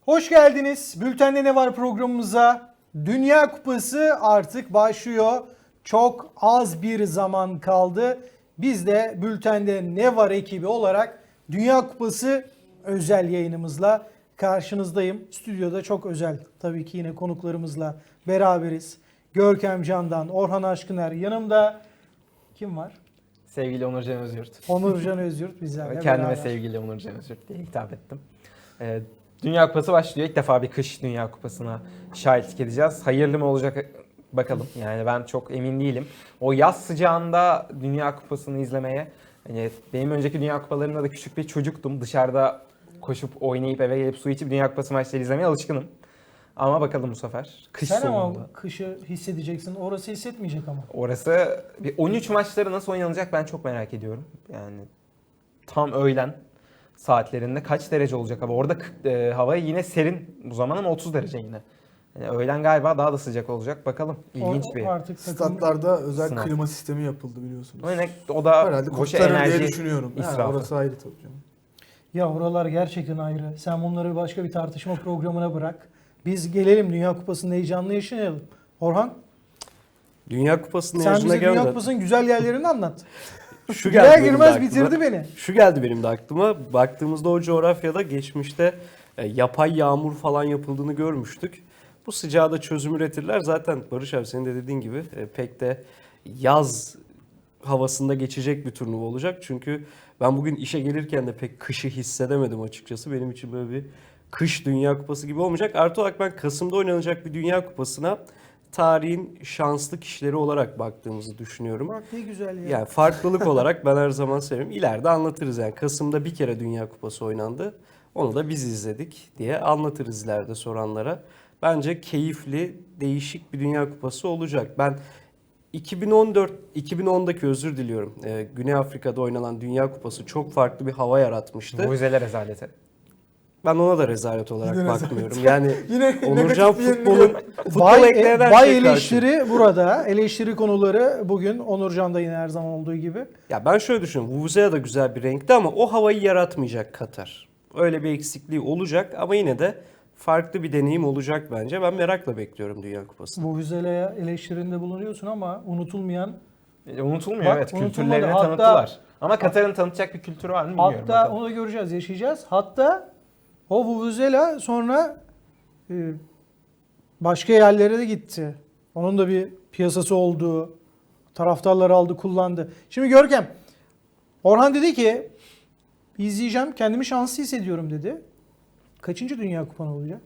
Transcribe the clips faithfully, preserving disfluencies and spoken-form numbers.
Hoş geldiniz. Bülten'de ne var programımıza? Dünya Kupası artık başlıyor. Çok az bir zaman kaldı. Biz de Bülten'de ne var ekibi olarak Dünya Kupası özel yayınımızla karşınızdayım. Stüdyoda çok özel tabii ki yine konuklarımızla beraberiz. Görkem Candan, Orhan Aşkıner, yanımda kim var? Sevgili Onurcan Özyurt. Onurcan Özyurt bizlerle Kendime beraber. sevgili Onurcan Özyurt diye hitap ettim. Ee, Dünya Kupası başlıyor. İlk defa bir kış Dünya Kupası'na şahitlik edeceğiz. Hayırlı mı olacak bakalım. Yani ben çok emin değilim. O yaz sıcağında Dünya Kupası'nı izlemeye, hani benim önceki Dünya Kupalarımda da küçük bir çocuktum. Dışarıda koşup oynayıp eve gelip su içip Dünya Kupası maçları izlemeye alışkınım. Ama bakalım bu sefer. Kış Sen sonunda. ama kışı hissedeceksin. Orası hissetmeyecek ama. Orası bir on üç maçları nasıl oynanacak ben çok merak ediyorum. Yani tam öğlen saatlerinde kaç derece olacak hava? Orada e, hava yine serin bu zaman ama otuz derece yine. Yani öğlen galiba daha da sıcak olacak. Bakalım. İlginç O- bir. Artık takım- Statlarda özel Sınav. klima sistemi yapıldı biliyorsunuz. O, ne, o da Herhalde boş kurtarır diye enerji düşünüyorum. Ha, israfı. orası ayrı tabii canım. Ya oralar gerçekten ayrı. Sen bunları başka bir tartışma programına bırak. Biz gelelim Dünya Kupası'nın heyecanını yaşayalım. Orhan, Dünya Kupası'nın sen heyecanına bize Dünya gelmeden Kupası'nın güzel yerlerini anlat. şu Girer geldi benim de girmez aklıma. bitirdi beni. Şu geldi benim de aklıma. Baktığımızda o coğrafyada geçmişte e, yapay yağmur falan yapıldığını görmüştük. Bu sıcağı da çözüm üretirler. Zaten Barış abi senin de dediğin gibi e, pek de yaz havasında geçecek bir turnuva olacak. Çünkü ben bugün işe gelirken de pek kışı hissedemedim açıkçası. Benim için böyle bir kış Dünya Kupası gibi olmayacak. Artı olarak ben Kasım'da oynanacak bir Dünya Kupası'na tarihin şanslı kişileri olarak baktığımızı düşünüyorum. Bak ne güzel ya. Yani farklılık olarak ben her zaman seviyorum. İleride anlatırız yani. Kasım'da bir kere Dünya Kupası oynandı. Onu da biz izledik diye anlatırız ileride soranlara. Bence keyifli, değişik bir Dünya Kupası olacak. Ben iki bin on dört iki bin ondaki özür diliyorum. Ee, Güney Afrika'da oynanan Dünya Kupası çok farklı bir hava yaratmıştı. Mucizeler rezaleti. Ben ona da rezalet olarak Yine rezalet. bakmıyorum. Yani Yine Onurcan negatif bir futbolun yeniliyor. futbol Bay, ekleyen her bay şeye karşı. eleştiri burada. Eleştiri konuları bugün Onurcan'da yine her zaman olduğu gibi. Ya ben şöyle düşünüyorum. Vuvuzela da güzel bir renkti ama o havayı yaratmayacak Katar. Öyle bir eksikliği olacak ama yine de farklı bir deneyim olacak bence. Ben merakla bekliyorum Dünya Kupası'nı. Bu Vizele'ye eleştirinde bulunuyorsun ama unutulmayan, E, unutulmuyor Bak, evet. unutulmadı. Kültürlerini Hatta- tanıttılar. Ama Katar'ın tanıtacak bir kültürü var mı bilmiyorum. hatta bakalım. onu da göreceğiz, yaşayacağız. Hatta o Vuvuzela sonra e, başka yerlere de gitti. Onun da bir piyasası oldu. Taraftarları aldı, kullandı. Şimdi Görkem, Orhan dedi ki izleyeceğim, kendimi şanslı hissediyorum dedi. Kaçıncı Dünya Kupan olacak?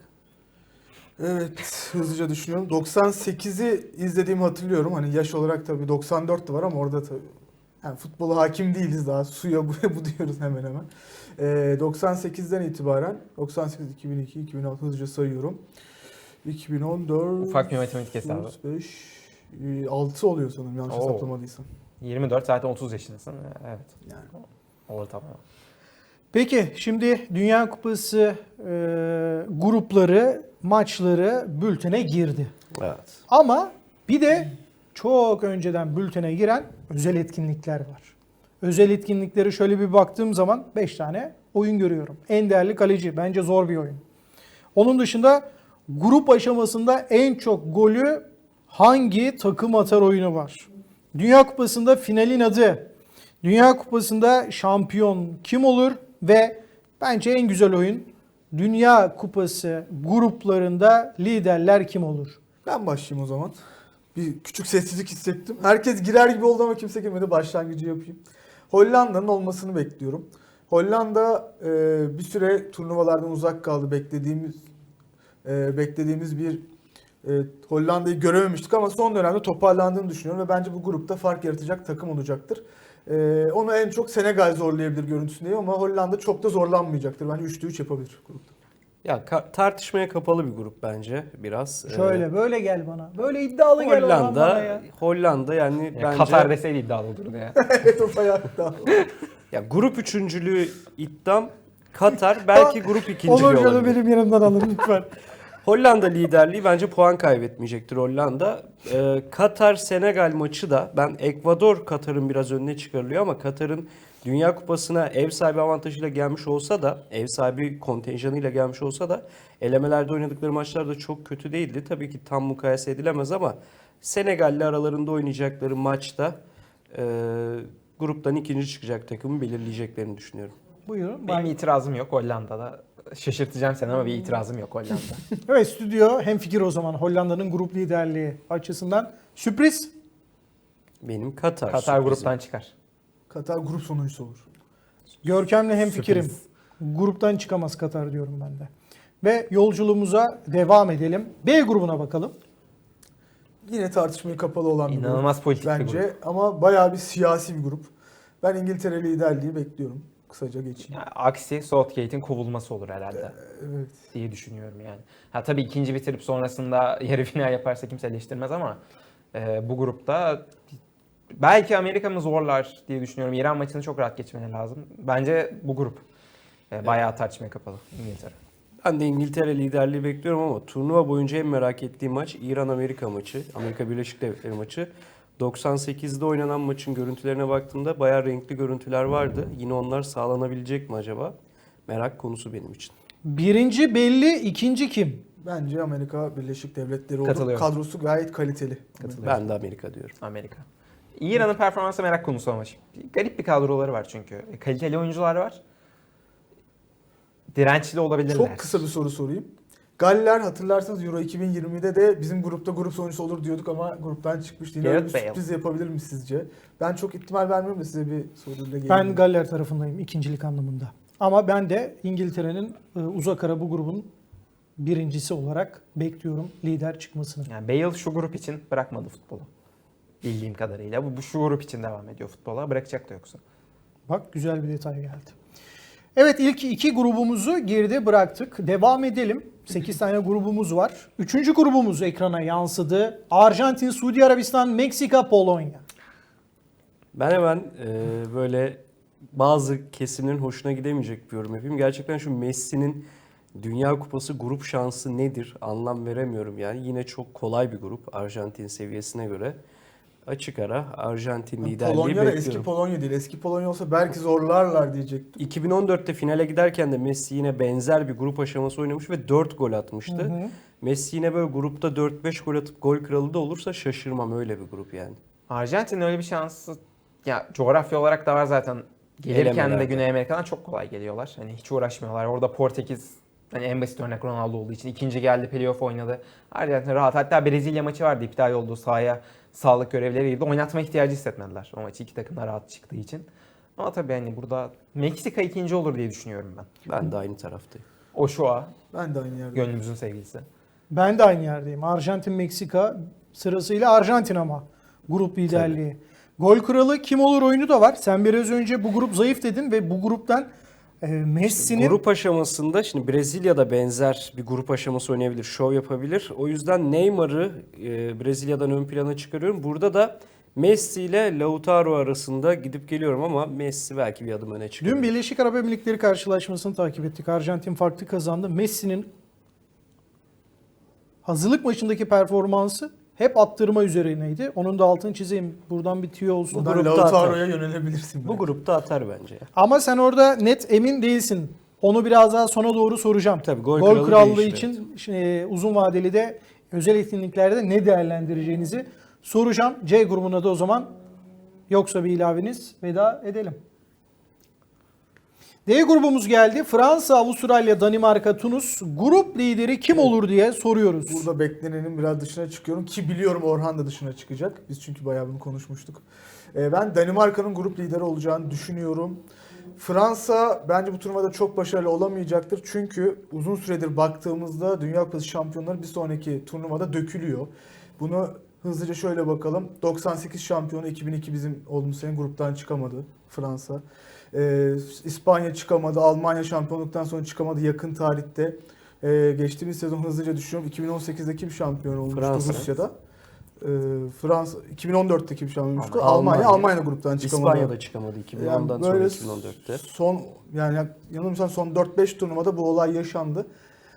Evet, hızlıca düşünüyorum. doksan sekizi izlediğimi hatırlıyorum. Hani yaş olarak tabii doksan dört de var ama orada tabii yani futbola hakim değiliz daha. Suya buya bu diyoruz hemen hemen. Ee, doksan sekizden itibaren doksan sekiz, iki bin iki, iki bin altı hızlıca sayıyorum. iki bin on dört, Ufak bir matematik hesabı. otuz beş, altı oluyor sanırım yanlış Oo. hesaplamadıysam. yirmi dört zaten otuz yaşındasın. Evet. Yani Ortalama. Peki şimdi Dünya Kupası e, grupları, maçları bültene girdi. Evet. Ama bir de çok önceden bültene giren özel etkinlikler var. Özel etkinlikleri şöyle bir baktığım zaman beş tane oyun görüyorum. En değerli kaleci, bence zor bir oyun. Onun dışında grup aşamasında en çok golü hangi takım atar oyunu var. Dünya Kupası'nda finalin adı, Dünya Kupası'nda şampiyon kim olur ve bence en güzel oyun Dünya Kupası gruplarında liderler kim olur? ben başlayayım o zaman. Bir küçük sessizlik hissettim. Herkes girer gibi oldu ama kimse girmedi. Başlangıcı yapayım. Hollanda'nın olmasını bekliyorum. Hollanda e, bir süre turnuvalardan uzak kaldı. Beklediğimiz e, beklediğimiz bir e, Hollanda'yı görememiştik ama son dönemde toparlandığını düşünüyorum ve bence bu grupta fark yaratacak takım olacaktır. E, onu en çok Senegal zorlayabilir görüntüsündeyim ama Hollanda çok da zorlanmayacaktır. Bence üçte üç yapabilir grupta. Ya ka- tartışmaya kapalı bir grup bence biraz. Şöyle Ee, böyle gel bana. Böyle iddialı gel Orhan bana Hollanda, ya. Hollanda yani Ya bence Katar deseydi iddialı olurdu ya. Evet o bayağı iddialı. ya grup üçüncülüğü iddiam Katar belki grup ikinciliği Olur canım olabilir. benim yanımdan alın lütfen. Hollanda liderliği bence puan kaybetmeyecektir Hollanda. Ee, Katar Senegal maçı da ben Ekvador Katar'ın biraz önüne çıkarılıyor ama Katar'ın Dünya Kupası'na ev sahibi avantajıyla gelmiş olsa da, ev sahibi kontenjanıyla gelmiş olsa da elemelerde oynadıkları maçlar da çok kötü değildi. Tabii ki tam mukayese edilemez ama Senegal'le aralarında oynayacakları maçta e, gruptan ikinci çıkacak takımı belirleyeceklerini düşünüyorum. Buyurun. Benim Ben- itirazım yok Hollanda'da. Şaşırtacağım seni ama bir itirazım yok Hollanda. Evet, stüdyo hemfikir o zaman Hollanda'nın grup liderliği açısından. Sürpriz. Benim Katar. Katar sürprizim. gruptan çıkar. Katar grup sonuncusu olur. Görkem'le hemfikirim. Sürpriz. Gruptan çıkamaz Katar diyorum ben de. Ve yolculuğumuza devam edelim. B grubuna bakalım. Yine tartışmaya kapalı olan bir İnanılmaz grup politik bir bence grup. ama bayağı bir siyasi bir grup. Ben İngiltere liderliği bekliyorum. Kısaca geçeyim. Yani aksi Southgate'in kovulması olur herhalde Evet. diye düşünüyorum yani. Ha tabii ikinci bitirip sonrasında yarı final yaparsa kimse eleştirmez ama e, bu grupta belki Amerika mı zorlar diye düşünüyorum. İran maçını çok rahat geçmeleri lazım. Bence bu grup e, bayağı tartışmaya kapalı İngiltere. Ben de İngiltere liderliği bekliyorum ama turnuva boyunca en merak ettiğim maç İran-Amerika maçı. Amerika Birleşik Devletleri maçı. doksan sekizde oynanan maçın görüntülerine baktığımda bayağı renkli görüntüler vardı. Yine onlar sağlanabilecek mi acaba? Merak konusu benim için. Birinci belli, ikinci kim? Bence Amerika Birleşik Devletleri olur. Katılıyorum. Kadrosu gayet kaliteli. Katılıyorum. Ben de Amerika diyorum. Amerika. İran'ın performansı merak konusu ama garip bir kadroları var çünkü. Kaliteli oyuncular var. Dirençli olabilirler. Çok kısa bir soru sorayım. Galler hatırlarsanız Euro iki bin yirmide de bizim grupta grup sonuncusu olur diyorduk ama gruptan çıkmıştı. Yine öyle bir Gareth Bale. sürpriz yapabilir mi sizce? Ben çok ihtimal vermiyorum da size bir soruyla geleyim. Ben Galler tarafındayım ikincilik anlamında. Ama ben de İngiltere'nin e, uzak ara bu grubun birincisi olarak bekliyorum lider çıkmasını. Yani Bale şu grup için bırakmadı futbolu. Bildiğim kadarıyla. Bu, bu şu grup için devam ediyor futbola. Bırakacak da yoksa. Bak güzel bir detay geldi. Evet, ilk iki grubumuzu geride bıraktık. Devam edelim. sekiz tane grubumuz var. Üçüncü grubumuz ekrana yansıdı. Arjantin, Suudi Arabistan, Meksika, Polonya. Ben hemen e, böyle bazı kesimlerin hoşuna gidemeyecek bir yorum yapayım. Gerçekten şu Messi'nin Dünya Kupası grup şansı nedir anlam veremiyorum yani. Yine çok kolay bir grup Arjantin seviyesine göre. Açık ara Arjantin liderliği Polonya da bekliyorum. eski Polonya değil. Eski Polonya olsa belki zorlarlar diyecektim. iki bin on dörtte finale giderken de Messi yine benzer bir grup aşaması oynamış ve dört gol atmıştı. Hı hı. Messi yine böyle grupta dört beş gol atıp gol kralı da olursa şaşırmam, öyle bir grup yani. Arjantin'in öyle bir şansı ya coğrafya olarak da var zaten. Gelirken de Elemelerde. Güney Amerika'dan çok kolay geliyorlar. Hani hiç uğraşmıyorlar. Orada Portekiz hani en basit örnek Ronaldo olduğu için ikinci geldi, playoff oynadı. Arjantin rahat. Hatta Brezilya maçı vardı, iptal olduğu sahaya sağlık görevlileri girdi. Oynatma ihtiyacı hissetmediler o maçı, iki takım da rahat çıktığı için. Ama tabii hani burada Meksika ikinci olur diye düşünüyorum ben. Ben de aynı taraftayım. Ochoa, Ben de aynı yerde. gönlümüzün sevgilisi. Ben de aynı yerdeyim. Arjantin, Meksika sırasıyla Arjantin ama grup liderliği. Gol kralı kim olur oyunu da var. Sen biraz önce bu grup zayıf dedin ve bu gruptan e, Messi'nin... Grup aşamasında şimdi Brezilya'da benzer bir grup aşaması oynayabilir, şov yapabilir. O yüzden Neymar'ı e, Brezilya'dan ön plana çıkarıyorum. Burada da Messi ile Lautaro arasında gidip geliyorum ama Messi belki bir adım öne çıkıyor. Dün Birleşik Arap Emirlikleri karşılaşmasını takip ettik. Arjantin farklı kazandı. Messi'nin hazırlık maçındaki performansı hep attırma üzerineydi. Onun da altını çizeyim. Buradan bir tüyo olsun. Bu Buradan grupta Lautaro'ya atar. yönelebilirsin. Bu belki. grupta atar bence ya. Ama sen orada net emin değilsin. Onu biraz daha sona doğru soracağım. Tabii, gol Gol kralı krallığı değişir, için e, uzun vadeli de özel etkinliklerde ne değerlendireceğinizi soracağım. C grubuna da o zaman yoksa bir ilaveniz veda edelim. D grubumuz geldi. Fransa, Avustralya, Danimarka, Tunus. Grup lideri kim olur diye soruyoruz. Burada beklenenin biraz dışına çıkıyorum ki biliyorum Orhan da dışına çıkacak. Biz çünkü bayağı bunu konuşmuştuk. Ee, ben Danimarka'nın grup lideri olacağını düşünüyorum. Fransa bence bu turnuvada çok başarılı olamayacaktır. Çünkü uzun süredir baktığımızda Dünya Kupası şampiyonları bir sonraki turnuvada dökülüyor. Bunu hızlıca şöyle bakalım. doksan sekiz şampiyonu, iki bin iki bizim olduğumuz sene gruptan çıkamadı Fransa. Ee, İspanya çıkamadı, Almanya şampiyonluktan sonra çıkamadı yakın tarihte. Ee, geçtiğimiz sezon hızlıca düşünüyorum. iki bin on sekizde kim şampiyon olmuştu Fransa. Rusya'da? Ee, Fransa iki bin on dörtte kim şampiyon olmuştu? Almanya. Almanya. Almanya da gruptan çıkamadı. İspanya'da çıkamadı iki bin ondan Yani sonra böyle iki bin on dörtte. Son yani yanılmıyorsam son dört beş turnuvada bu olay yaşandı.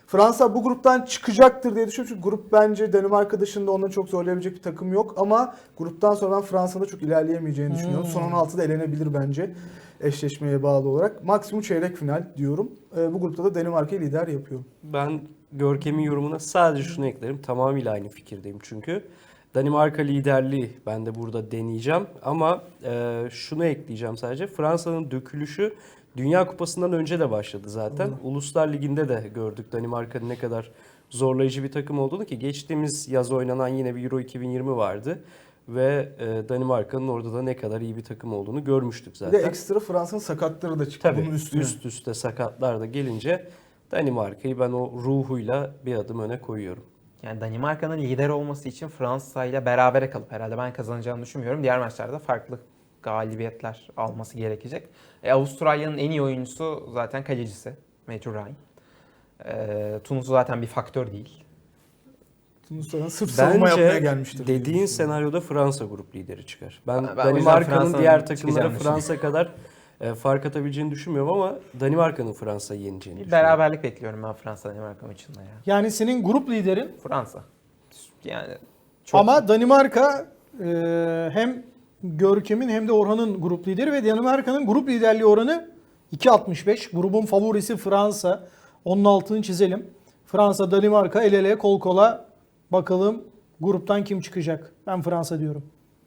Fransa bu gruptan çıkacaktır diye düşünüyorum. Çünkü grup bence Danimarka dışında onları çok zorlayabilecek bir takım yok. Ama gruptan sonra ben Fransa'da çok ilerleyemeyeceğini düşünüyorum. Hmm. Son on altıda elenebilir bence eşleşmeye bağlı olarak. Maksimum çeyrek final diyorum. Ee, bu grupta da Danimarka'yı lider yapıyorum. Ben Görkem'in yorumuna sadece şunu eklerim. Tamamıyla aynı fikirdeyim çünkü. Danimarka liderliği ben de burada deneyeceğim. Ama e, şunu ekleyeceğim sadece. Fransa'nın dökülüşü Dünya Kupası'ndan önce de başladı zaten. Doğru. Uluslar Ligi'nde de gördük Danimarka'nın ne kadar zorlayıcı bir takım olduğunu ki geçtiğimiz yaz oynanan yine bir Euro iki bin yirmi vardı. Ve e, Danimarka'nın orada da ne kadar iyi bir takım olduğunu görmüştük Bir zaten. de ekstra Fransa'nın sakatları da çıktı Tabii bunun üstüne. üst üste sakatlar da gelince Danimarka'yı ben o ruhuyla bir adım öne koyuyorum. Yani Danimarka'nın lider olması için Fransa ile berabere kalıp herhalde ben kazanacağını düşünmüyorum. Diğer maçlarda farklı galibiyetler alması gerekecek. E, Avustralya'nın en iyi oyuncusu zaten kalecisi Matthew Ryan. E, Tunus zaten bir faktör değil. Tunus'tan sırf savunma yapmaya gelmiştir. diye dediğin düşünüyorum. senaryoda Fransa grup lideri çıkar. Ben, Ben- ben o yüzden Danimarka'nın Fransa'nın diğer takımlara çıkacağını Fransa kadar e, fark atabileceğini düşünmüyorum ama Danimarka'nın Fransa'yı yeneceğini Bir düşünüyorum. beraberlik bekliyorum ben Fransa Danimarka maçında ya. Yani senin grup liderin Fransa. Yani çok ama Danimarka e, hem Görkem'in hem de Orhan'ın grup lideri ve Danimarka'nın grup liderliği oranı iki virgül altmış beş. Grubun favorisi Fransa. Onun altını çizelim. Fransa, Danimarka el ele kol kola. Bakalım gruptan kim çıkacak? Ben Fransa diyorum.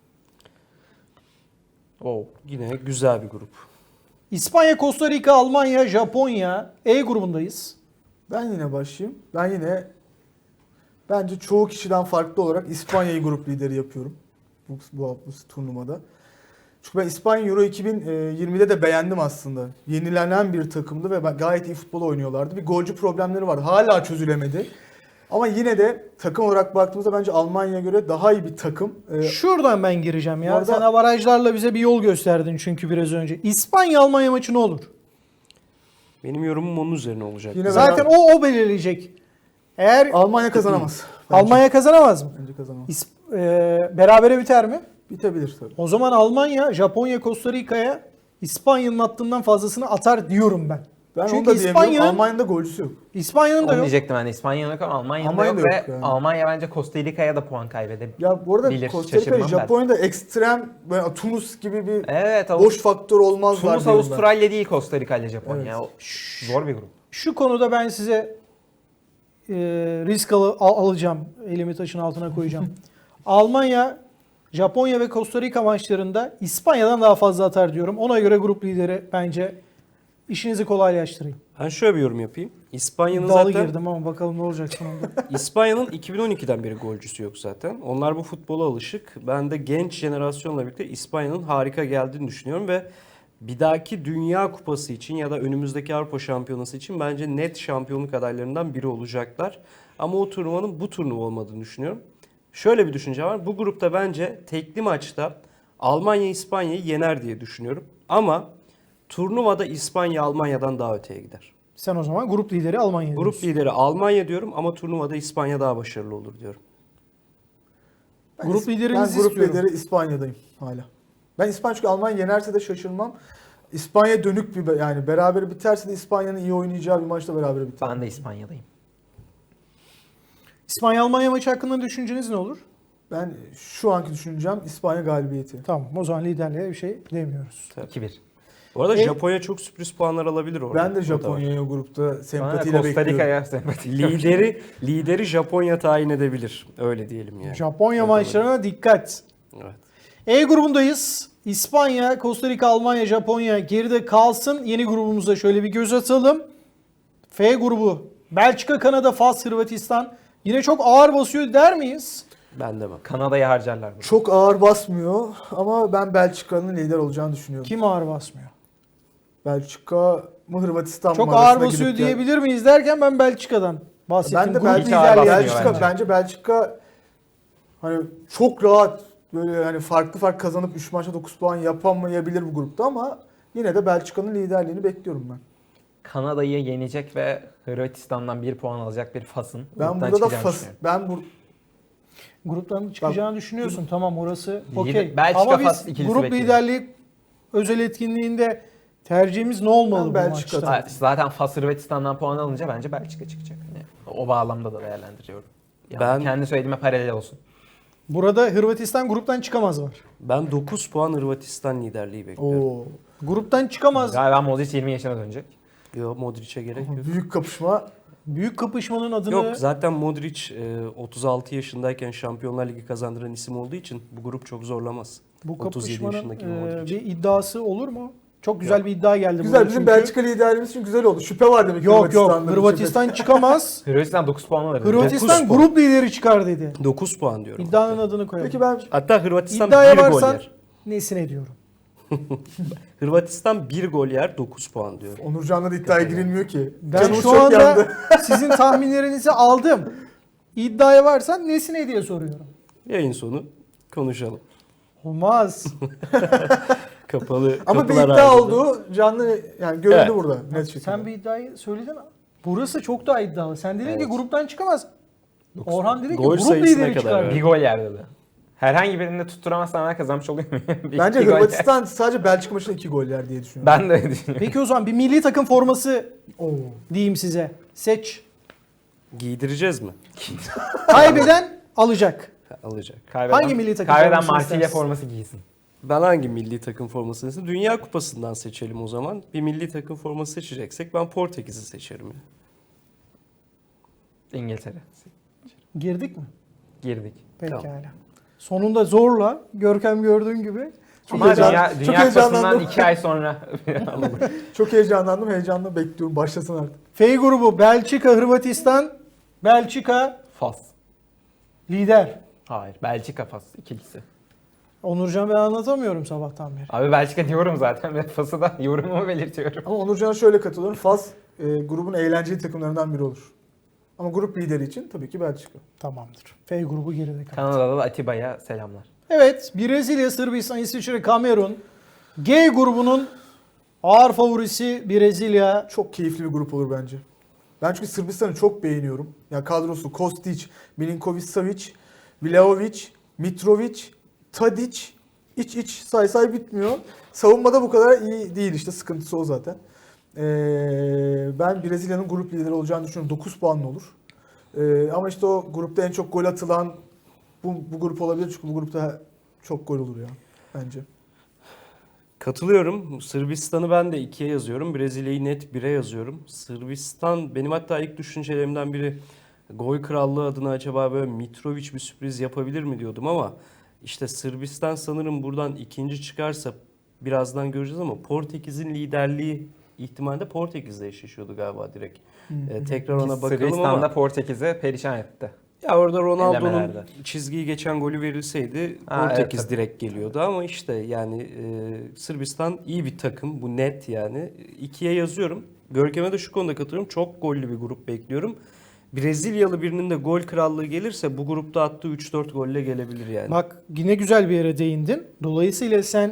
wow. Yine güzel bir grup. İspanya, Costa Rica, Almanya, Japonya. E grubundayız. Ben yine başlayayım. Ben yine bence çoğu kişiden farklı olarak İspanya'yı grup lideri yapıyorum. Bu, bu, bu turnuvada. Çünkü ben İspanya Euro iki bin yirmide de beğendim aslında. Yenilenen bir takımdı ve ben- gayet iyi futbol oynuyorlardı. Bir golcü problemleri var. Hala çözülemedi. Ama yine de takım olarak baktığımızda bence Almanya'ya göre daha iyi bir takım. Ee, Şuradan ben gireceğim Bu ya. arada- Sen avarajlarla bize bir yol gösterdin çünkü biraz önce. İspanya-Almanya maçı ne olur? Benim yorumum onun üzerine olacak. Yine Zaten beraber- o o belirleyecek. Eğer Almanya kazanamaz. Bence. Almanya kazanamaz mı? Bence kazanamaz. İsp- e, berabere biter mi? Bitebilir tabii. O zaman Almanya, Japonya, Costa Rica'ya İspanya'nın attığından fazlasını atar diyorum ben. Ben Çünkü onu da diyemiyorum. İspanya'nın Almanya'da golcüsü yok. İspanya'nın da Onu yok. diyecektim ben de. İspanya'da yok ama Almanya'da, Almanya'da yok, yok ve yani. Almanya bence Costa Rica'ya da puan kaybedebilir. Ya bu arada Bilir, Costa Rica, şaşırmam ben. Japonya'da ekstrem böyle Tunus gibi bir Evet, Avust- boş faktör olmazlar Tunus diyorum ben. Avustralya değil Costa Rica ile Japonya. Evet. O zor bir grup. Şu konuda ben size e, risk al- al- alacağım. Elimi taşın altına koyacağım. Almanya, Japonya ve Costa Rica maçlarında İspanya'dan daha fazla atar diyorum. Ona göre grup lideri bence işinizi kolaylaştırayım. Ben şöyle bir yorum yapayım. İspanya'nın Dalı zaten girdim ama bakalım ne olacak sonunda. İspanya'nın iki bin on ikiden beri golcüsü yok zaten. Onlar bu futbola alışık. Ben de genç jenerasyonla birlikte İspanya'nın harika geldiğini düşünüyorum ve bir dahaki Dünya Kupası için ya da önümüzdeki Avrupa Şampiyonası için bence net şampiyonluk adaylarından biri olacaklar. Ama o turnuvanın bu turnuva olmadığını düşünüyorum. Şöyle bir düşünce var. Bu grupta bence tekli maçta Almanya İspanya'yı yener diye düşünüyorum. Ama turnuvada İspanya Almanya'dan daha öteye gider. Sen o zaman grup lideri Almanya Grup diyorsun. lideri Almanya diyorum ama turnuvada İspanya daha başarılı olur diyorum. Ben Grup is- liderinizi Ben grup istiyorum. lideri İspanya'dayım hala. Ben İspanya çünkü Almanya yenerse de şaşırmam. İspanya dönük bir be- yani beraber biterse de İspanya'nın iyi oynayacağı bir maçta beraber biter. Ben de İspanya'dayım. İspanya-Almanya maçı hakkında düşünceniz ne olur? Ben şu anki düşüneceğim İspanya galibiyeti. Tamam, o zaman liderliğe bir şey demiyoruz. iki bir. Bu arada E- Japonya çok sürpriz puanlar alabilir orada. Ben de O da var. Japonya'yı o grupta Bana sempatiyle Costa bekliyorum. Rica'ya sempati. lideri lideri Japonya tayin edebilir. Öyle diyelim yani. Japonya O da var. maçlarına dikkat. Evet. E grubundayız. İspanya, Costa Rica, Almanya, Japonya geride kalsın. Yeni grubumuza şöyle bir göz atalım. F grubu. Belçika, Kanada, Fas, Hırvatistan. Yine çok ağır basıyor der miyiz? Ben demem. Kanada'yı harcarlar. burada. Çok ağır basmıyor ama ben Belçika'nın lider olacağını düşünüyorum. Kim ağır basmıyor? Belçika mı Hırvatistan mı Çok arasında ağır basıyor gidip gel- diyebilir miyiz derken ben Belçika'dan bahsettim. Ben de Grup Belçika, hiç ağır liderliği. basmıyor Belçika bence. bence. Belçika hani çok rahat böyle hani farklı farklı kazanıp üç maçta dokuz puan yapamayabilir bu grupta ama yine de Belçika'nın liderliğini bekliyorum ben. Kanada'yı yenecek ve Hırvatistan'dan bir puan alacak bir Fas'ın. Ben gruptan burada da çıkacağını Fas düşünüyorum. ben bu Gruptan çıkacağını düşünüyorsun. Tamam, orası Lider- okey. Belçika, Ama Fas biz ikilisi grup bekliyor. liderliği özel etkinliğinde Tercihimiz ne olmalı Ben bu Belçika maçta? Ha, Zaten Fas Hırvatistan'dan puan alınca bence Belçika çıkacak. Yani o bağlamda da değerlendiriyorum. Yani Ben- kendi söylediğime paralel olsun. Burada Hırvatistan gruptan çıkamaz var. Ben dokuz puan Hırvatistan liderliği bekliyorum. Oo. Gruptan çıkamaz. Galiba Modric yirmi yaşına dönecek. Yok, Modric'e gerek yok. Büyük kapışma. Büyük kapışmanın adını Yok, zaten Modric e, otuz altı yaşındayken Şampiyonlar Ligi kazandıran isim olduğu için bu grup çok zorlamaz. bu otuz yedi kapışmanın yaşındaki e, Modric. bir iddiası olur mu? Çok güzel bir iddia geldi Güzel, burada bizim çünkü. Belçika liderliğimiz için güzel oldu. Şüphe var demek ki Yok yok Hırvatistan'da. Hırvatistan çıkamaz. Hırvatistan dokuz puan alır. Hırvatistan dokuz puan. grup lideri çıkar dedi. dokuz puan diyorum. İddianın adını koyalım. Peki ben Hatta Hırvatistan İddiaya bir gol varsan yer. nesine diyorum. Hırvatistan bir gol yer, dokuz puan diyorum. Onurcan'la da iddiaya girilmiyor ki. Ben Canımız şu çok anda yandı. sizin tahminlerinizi aldım. İddiaya varsan nesine diye soruyorum. Yayın sonu konuşalım. Olmaz. Kapalı Ama bir kapılar iddia ardında. oldu. Canlı yani görüldü Evet. burada net şekilde. Sen bir iddiayı söyledin. Burası çok daha iddialı. Sen dedin Evet. ki gruptan çıkamaz. Orhan dedi ki Gol grup sayısına lideri kadar, çıkar. evet. Bir gol yer dedi. Herhangi birinde tutturamazsan ben kazanmış oluyor muyum? Bir- Bence bir gol yer. Hırvatistan sadece Belçika maçında iki gol yer diye düşünüyorum. Ben de öyle düşünüyorum. Peki o zaman bir milli takım forması Oo. diyeyim size. Seç. Giydireceğiz mi? Kaybeden alacak. Alacak. Kaybeden, Hangi milli takım Kaybeden formasını Marsilya istersin? forması giysin. Ben hangi milli takım formasını istedim? Dünya Kupası'ndan seçelim o zaman. Bir milli takım forması seçeceksek ben Portekiz'i seçerim. Ya. İngiltere. Girdik mi? Girdik. Pekala. Tamam. Sonunda zorla Görkem gördüğün gibi. Çok Ama heyecan- Dünya, çok Dünya Kupası'ndan heyecanlandım. iki ay sonra Çok heyecanlandım. Heyecanla bekliyorum. Başlasın artık. F grubu Belçika, Hırvatistan. Belçika Fas. lider. Hayır. Belçika Fas ikilisi. Onurcan ben anlatamıyorum sabahtan beri. Abi Belçika diyorum zaten ve Fas'ı da yorumumu belirtiyorum. Ama Onurcan'a şöyle katılıyorum. Fas e, grubun eğlenceli takımlarından biri olur. Ama grup lideri için tabii ki Belçika. Tamamdır. F grubu geride kaldı. Kanada'da da Atiba'ya selamlar. Evet, Brezilya, Sırbistan, İsviçre, Kamerun. G grubunun ağır favorisi Brezilya. Çok keyifli bir grup olur bence. Ben çünkü Sırbistan'ı çok beğeniyorum. Ya kadrosu Kostic, Milinkovic Savic, Vlahovic, Mitrovic, Tadic, iç iç say say bitmiyor. Savunmada bu kadar iyi değil işte, sıkıntısı o zaten. Ee, ben Brezilya'nın grup lideri olacağını düşünüyorum. dokuz puanlı olur. Ee, ama işte o grupta en çok gol atılan bu, bu grup olabilir çünkü bu grupta çok gol olur ya bence. Katılıyorum. Sırbistan'ı ben de ikiye yazıyorum. Brezilya'yı net bire yazıyorum. Sırbistan benim hatta ilk düşüncelerimden biri, gol krallığı adına acaba böyle Mitrovic bir sürpriz yapabilir mi diyordum ama işte Sırbistan sanırım buradan ikinci çıkarsa birazdan göreceğiz ama Portekiz'in liderliği ihtimalle Portekiz'le eşleşiyordu galiba direkt. Ee, tekrar ona bakalım Sırbistan'da ama Portekiz'i perişan etti. ya orada Ronaldo'nun Elemelerde. çizgiyi geçen golü verilseydi Ha, Portekiz evet, tabii. direkt geliyordu ama işte yani e, Sırbistan iyi bir takım, bu net yani. İkiye yazıyorum. Görkem'e de şu konuda katılıyorum. Çok gollü bir grup bekliyorum. Brezilyalı birinin de gol krallığı gelirse bu grupta attığı üç dört golle gelebilir yani. Bak yine güzel bir yere değindin. Dolayısıyla sen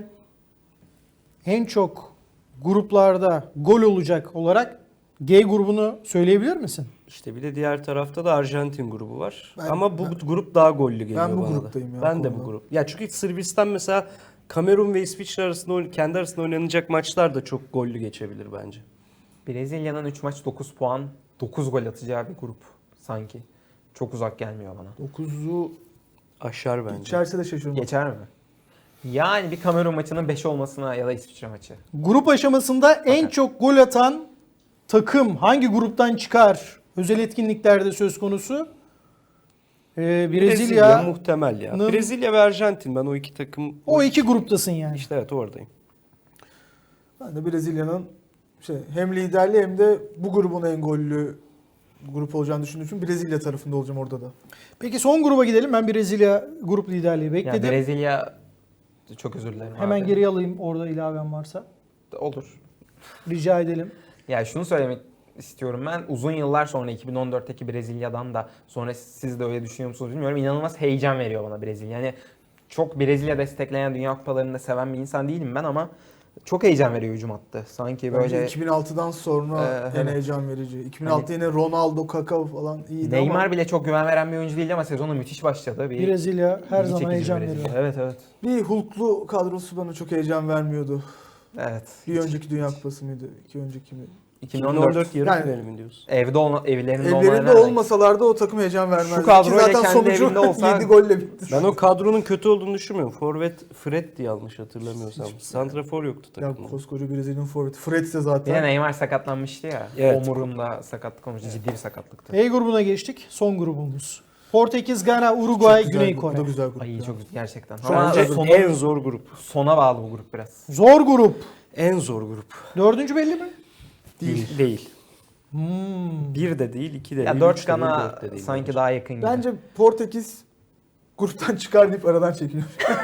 en çok gruplarda gol olacak olarak G grubunu söyleyebilir misin? İşte bir de diğer tarafta da Arjantin grubu var. Ben- ama bu ben- grup daha gollü geliyor Ben bu bana da. gruptayım ya, Ben de bu konuda. grup. Ya çünkü Sırbistan mesela Kamerun ve İsviçre arasında oyn- kendi arasında oynanacak maçlar da çok gollü geçebilir bence. Brezilya'nın üç maç dokuz puan, dokuz gol atacağı bir grup sanki. Çok uzak gelmiyor bana. dokuzu Aşar bence. içerse de şaşırmam. Geçer mi? Yani bir Kamerun maçının beş olmasına ya da İsviçre maçı. Grup aşamasında en Bakın. çok gol atan takım hangi gruptan çıkar? Özel etkinliklerde söz konusu. Ee, Brezilya, Brezilya, muhtemel ya. Nın- Brezilya ve Arjantin, ben o iki takım o iki gruptasın yani. işte evet oradayım. Ben de Brezilya'nın şey, hem liderliği hem de bu grubun en gollü grup olacağını düşündüğüm için Brezilya tarafında olacağım orada da. Peki son gruba gidelim. Ben Brezilya grup liderliği Yani bekledim. Brezilya çok özür dilerim Hemen abi. geri alayım orada ilavem varsa. Olur. Rica edelim. Ya şunu söylemek istiyorum ben. Uzun yıllar sonra iki bin on dörtteki Brezilya'dan da sonra siz de öyle düşünüyor musunuz bilmiyorum. İnanılmaz heyecan veriyor bana Brezilya. Yani çok Brezilya destekleyen Dünya Kupalarında seven bir insan değilim ben ama çok heyecan veriyor hücum hattı. Sanki Bence böyle iki bin altıdan sonra Ee, en evet. heyecan verici. iki bin altıda yine Ronaldo, Kaká falan iyiydi Neymar ama bile çok güven veren bir oyuncu değildi ama sezonu müthiş başladı. Bir Brezilya her ilgi zaman çekici heyecan Brezilya. veriyor. Evet evet. bir Hulk'lu kadrosu bana çok heyecan vermiyordu. Evet. Bir önceki Dünya Kupası mıydı? İki önceki mi? iki bin on iki bin on dört dört yarı Yani- finali mi diyorsun? evde olma, evlerinde, Evlerinde olmayan olmasalar da o takım heyecan vermezdi. Şu kadroyla Ki zaten kendi sonucu evinde olsa- yedi golle bitti. Ben o kadronun kötü olduğunu düşünmüyorum. Forvet Fred'di yanlış hatırlamıyorsam. Santrafor yoktu Ya takımda. koskoca Brezilya'nın forveti. Fred ise Bir de zaten. Neymar sakatlanmıştı ya. Evet. Omurunda sakatlık olmuş. Ciddi bir sakatlıktı. E grubuna geçtik. Son grubumuz. Portekiz, Gana, Uruguay, Çok güzel Güney grup, Kore. Bu da güzel grup. Ay ya. çok gerçekten. Ama Bence sonu, en zor grup. sona bağlı bu grup biraz. Zor grup. En zor grup. Dördüncü belli mi? Değil. Değil. Hmm. Bir de değil, iki de Ya değil, dört üç de değil, Gana dört de değil. sanki bence. daha yakın gibi. Bence Portekiz gruptan çıkar deyip aradan çekiliyor.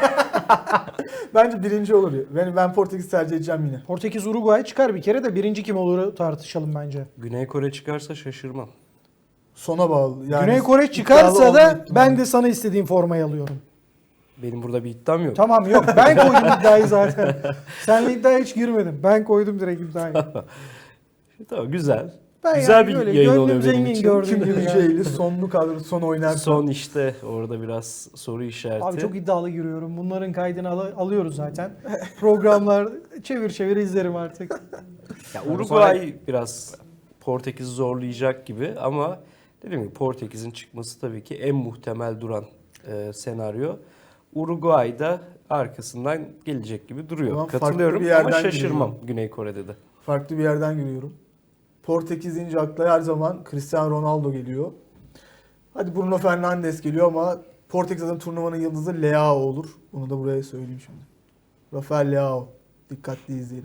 Bence birinci olur. ya. Ben, ben Portekiz tercih edeceğim yine. Portekiz, Uruguay çıkar bir kere de birinci kim olur tartışalım bence. Güney Kore çıkarsa şaşırmam. Sona bağlı. Yani Güney Kore iddialı çıkarsa olma da ihtimali. ben de sana istediğim formayı alıyorum. Benim burada bir iddiam yok. Tamam yok ben koydum iddiayı zaten. Seninle iddiaya hiç girmedim. Ben koydum direkt iddiayı. Tamam, güzel. Ben Güzel yani bir böyle yayın gönlüm oluyor benim zengin için. gördüğün Kim gibi. yani. Hüceyli sonlu kadro son oynar. Son işte orada biraz soru işareti. Abi çok iddialı giriyorum. Bunların kaydını al- alıyoruz zaten. Programlar çevir çevir izlerim artık. Ya Yani Uruguay biraz Portekiz'i zorlayacak gibi ama dediğim gibi Portekiz'in çıkması tabii ki en muhtemel duran e, senaryo. Uruguay da arkasından gelecek gibi duruyor. Ama farklı Katılıyorum bir ama yerden şaşırmam giriyor. Güney Kore'de de. Farklı bir yerden giriyorum. Portekiz deyince akla her zaman Cristiano Ronaldo geliyor. Hadi Bruno Fernandes geliyor ama Portekiz'in turnuvanın yıldızı Leao olur. Bunu da buraya söyleyeyim şimdi. Rafael Leao. Dikkatli izleyelim.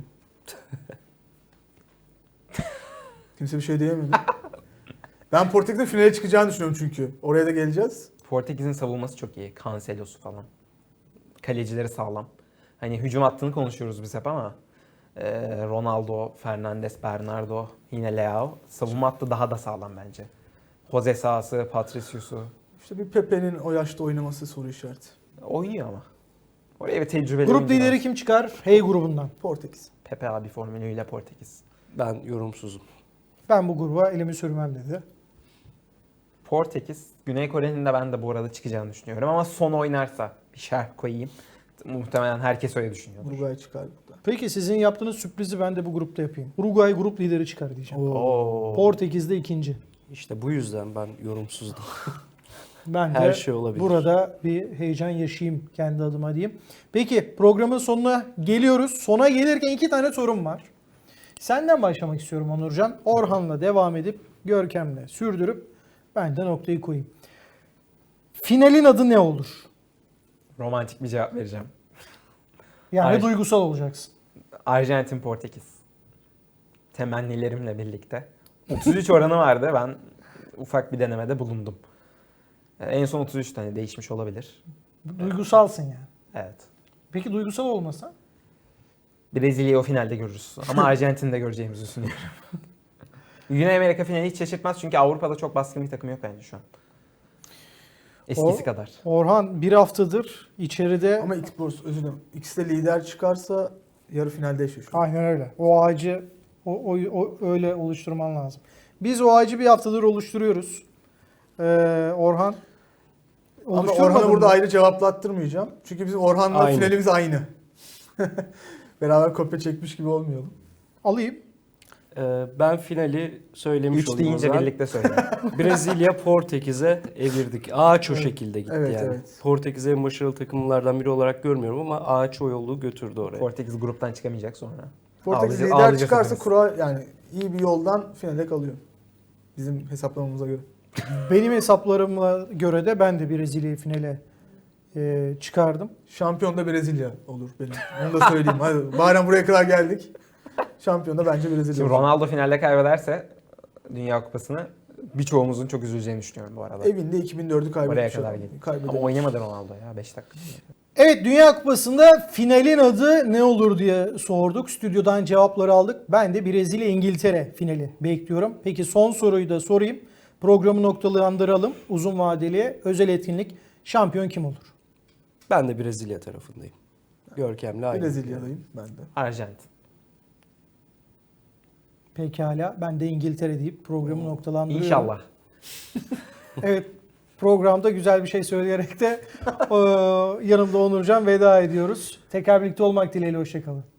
Kimse bir şey diyemedi. Ben Portekiz'in finale çıkacağını düşünüyorum çünkü. Oraya da geleceğiz. Portekiz'in savunması çok iyi. Cancelo'su falan. Kalecileri sağlam. Hani hücum hattını konuşuyoruz biz hep ama e, Ronaldo, Fernandes, Bernardo, yine Leao. Savunma hattı daha da sağlam bence. Jose Sa'sı, Patricius'u. İşte bir Pepe'nin o yaşta oynaması soru işareti. Oynuyor ama. Oraya bir tecrübeli Grup oyuncu lideri lazım. kim çıkar? Hey grubundan. Portekiz. Pepe abi formülüyle Portekiz. Ben yorumsuzum. Ben bu gruba elimi sürmem dedi. Portekiz, Güney Kore'nin de ben de bu arada çıkacağını düşünüyorum ama son oynarsa bir şerh koyayım. Muhtemelen herkes öyle düşünüyordur. Uruguay çıkar burada. Peki sizin yaptığınız sürprizi ben de bu grupta yapayım. Uruguay grup lideri çıkar diyeceğim. Oo. Portekiz de ikinci. İşte bu yüzden ben yorumsuzdum. Ben de Her şey olabilir. burada bir heyecan yaşayayım kendi adıma diyeyim. Peki programın sonuna geliyoruz. Sona gelirken iki tane sorum var. Senden başlamak istiyorum Onurcan. Orhan'la devam edip Görkem'le sürdürüp ben de noktayı koyayım. Finalin adı ne olur? Romantik bir cevap vereceğim. Yani Hayır. duygusal olacaksın. Arjantin, Portekiz. Temennilerimle birlikte. otuz üç oranı vardı. Ben ufak bir denemede bulundum. En son otuz üç tane değişmiş olabilir. Duygusalsın yani. Evet. Peki duygusal olmasa? Brezilya'yı o finalde görürüz. Ama Arjantin'i de göreceğimizi düşünüyorum. Güney Amerika finali hiç şaşırtmaz çünkü Avrupa'da çok baskın bir takım yok bence şu an. Eskisi O- kadar. Orhan bir haftadır içeride... Ama ilk özür dilerim. İkisi de lider çıkarsa yarı finalde eşleşiyor. Aynen öyle. O ağacı o, o, o- öyle oluşturman lazım. Biz o ağacı bir haftadır oluşturuyoruz. Ee, Orhan Ama oluşturmadın Orhan'a burada mı? ayrı cevaplattırmayacağım. Çünkü bizim Orhan'la Aynı. finalimiz aynı. Beraber kopya çekmiş gibi olmayalım. Alayım. Ee, ben finali söylemiş üç olayım o deyince zaman. birlikte söyle. Brezilya Portekiz'e evirdik. Ağaç o şekilde gitti Evet, yani. evet. Portekiz'i en başarılı takımlardan biri olarak görmüyorum ama ağaç o yolu götürdü oraya. Portekiz gruptan çıkamayacak sonra. Portekiz Ağlayacak- lider ağlayacağız çıkarsa hepimiz. kura yani iyi bir yoldan finale kalıyor. Bizim hesaplamamıza göre. Benim hesaplarıma göre de ben de Brezilya'yı finale e, çıkardım. Şampiyon da Brezilya olur benim. Onu da söyleyeyim. Hadi madem buraya kadar geldik. Şampiyon da bence Brezilya Şimdi olur. Ronaldo finalde kaybederse Dünya Kupası'nı birçoğumuzun çok üzüleceğini düşünüyorum bu arada. Evinde iki bin dördü kaybetmiş. Oraya kadar adam. geldik. Kaybedemez. Ama oynamadı Ronaldo ya beş dakika. Evet, Dünya Kupası'nda finalin adı ne olur diye sorduk. Stüdyodan cevapları aldık. Ben de Brezilya-İngiltere finali bekliyorum. Peki son soruyu da sorayım. Programı noktalandıralım. Uzun vadeli özel etkinlik. Şampiyon kim olur? Ben de Brezilya tarafındayım. Görkem'le aynı. Brezilya'dayım ben de. Arjantin. Pekala. Ben de İngiltere deyip programı noktalandırıyorum. İnşallah. Evet. Programda güzel bir şey söyleyerek de e, yanımda Onurcan veda ediyoruz. Tekrar birlikte olmak dileğiyle. Hoşçakalın.